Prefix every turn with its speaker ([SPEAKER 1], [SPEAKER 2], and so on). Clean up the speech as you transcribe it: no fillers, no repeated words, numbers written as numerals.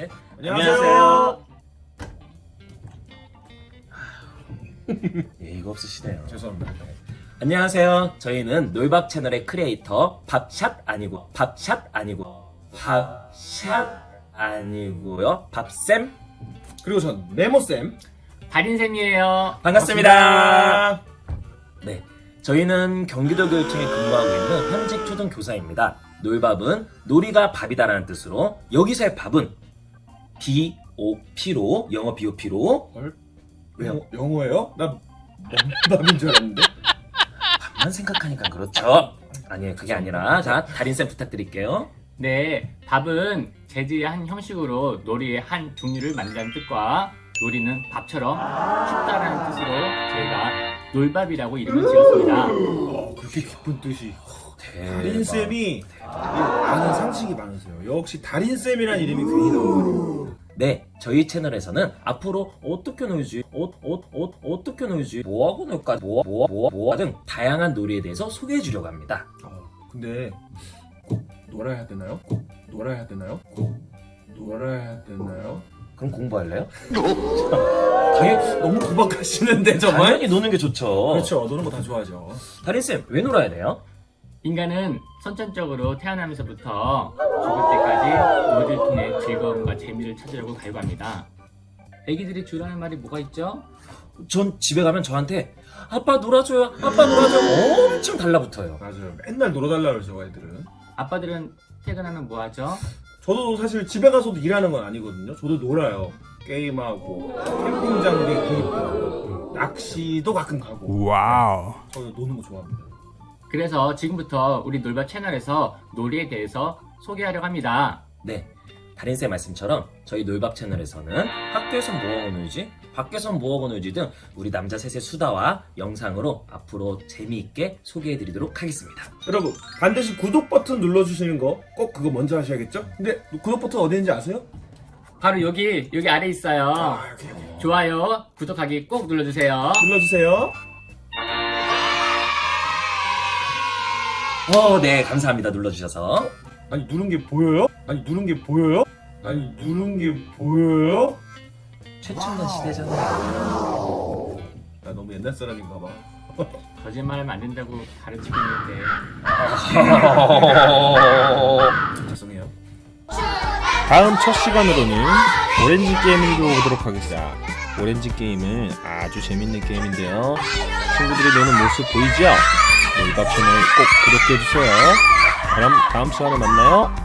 [SPEAKER 1] 셋.
[SPEAKER 2] 안녕하세요.
[SPEAKER 1] 예의가 없으시네요.
[SPEAKER 2] 죄송합니다.
[SPEAKER 1] 안녕하세요. 저희는 놀밥 채널의 크리에이터 밥샷 아니고 밥샷 아니고요. 밥쌤
[SPEAKER 2] 그리고 전 네모쌤
[SPEAKER 3] 달인쌤이에요.
[SPEAKER 1] 반갑습니다. 네, 저희는 경기도 교육청에 근무하고 있는 현직 초등교사입니다. 놀밥은 놀이가 밥이다라는 뜻으로 여기서의 밥은 BOP로 영어 BOP로 왜요?
[SPEAKER 2] 영어예요? 나 밥인 줄 알았는데.
[SPEAKER 1] 밥만 생각하니까 그렇죠. 아니에요, 그게 아니라 자 달인쌤 부탁드릴게요.
[SPEAKER 3] 네, 밥은 재질의 한 형식으로 놀이의 한 종류를 만든다는 뜻과 놀이는 밥처럼 춥다라는 뜻으로 저희가 놀밥이라고 이름을 지었습니다.
[SPEAKER 2] 그렇게 깊은 뜻이.
[SPEAKER 1] 대박.
[SPEAKER 2] 달인쌤이 아는 상식이 많으세요. 역시 달인쌤이란 이름이 괜히 나오네요.
[SPEAKER 1] 네, 저희 채널에서는 앞으로 어떻게 놀지, 어떻게 놀지, 뭐하고 놀까, 뭐 등 다양한 놀이에 대해서 소개해 주려고 합니다.
[SPEAKER 2] 근데 꼭 놀아야 되나요? 꼭 놀아야 되나요? 꼭 놀아야 되나요?
[SPEAKER 1] 그럼 공부할래요?
[SPEAKER 2] 너무 구박하시는데 정말?
[SPEAKER 1] 당연히 노는 게 좋죠.
[SPEAKER 2] 그렇죠. 노는 거 다 좋아하죠.
[SPEAKER 1] 달인쌤, 왜 놀아야 돼요?
[SPEAKER 3] 인간은 선천적으로 태어나면서부터 죽을 때까지 놀이를 통해 즐거움과 재미를 찾으려고 갈구합니다. 애기들이 주로 하는 말이 뭐가 있죠?
[SPEAKER 1] 전 집에 가면 저한테 아빠 놀아줘요, 아빠 놀아줘요 엄청 달라붙어요.
[SPEAKER 2] 맞아요. 맨날 놀아달라 그러죠, 애들은.
[SPEAKER 3] 아빠들은 퇴근하면 뭐 하죠?
[SPEAKER 2] 저도 사실 집에 가서도 일하는 건 아니거든요. 저도 놀아요. 게임하고 캠핑 장비 구입하고 낚시도 가끔 가고.
[SPEAKER 4] 와우.
[SPEAKER 2] 저도 노는 거 좋아합니다.
[SPEAKER 3] 그래서 지금부터 우리 놀밥 채널에서 놀이에 대해서 소개하려고 합니다.
[SPEAKER 1] 네, 달인쌤 말씀처럼 저희 놀밥 채널에서는 학교에선 뭐하고 놀지, 밖에선 뭐하고 놀지 등 우리 남자 셋의 수다와 영상으로 앞으로 재미있게 소개해 드리도록 하겠습니다.
[SPEAKER 2] 여러분 반드시 구독 버튼 눌러주시는 거 꼭 그거 먼저 하셔야겠죠? 근데 구독 버튼 어디 있는지 아세요?
[SPEAKER 3] 바로 여기 아래 있어요.
[SPEAKER 2] 여기.
[SPEAKER 3] 좋아요, 구독하기 꼭 눌러주세요.
[SPEAKER 2] 눌러주세요.
[SPEAKER 1] 네, 감사합니다. 눌러주셔서.
[SPEAKER 2] 아니 누른 게 보여요? 아니 누른 게 보여요? 아니 누른 게 보여요?
[SPEAKER 1] 최첨단 시대잖아요.
[SPEAKER 2] 나 너무 옛날 사람인가 봐.
[SPEAKER 3] 거짓말하면 안 된다고 가르치고 있는데
[SPEAKER 2] 죄송해요.
[SPEAKER 4] 다음 첫 시간으로는 오렌지 게임을 보도록 하겠습니다. 오렌지 게임은 아주 재밌는 게임인데요. 친구들이 노는 모습 보이죠? 놀밥 채널 꼭 구독해주세요. 그럼 다음 시간에 만나요.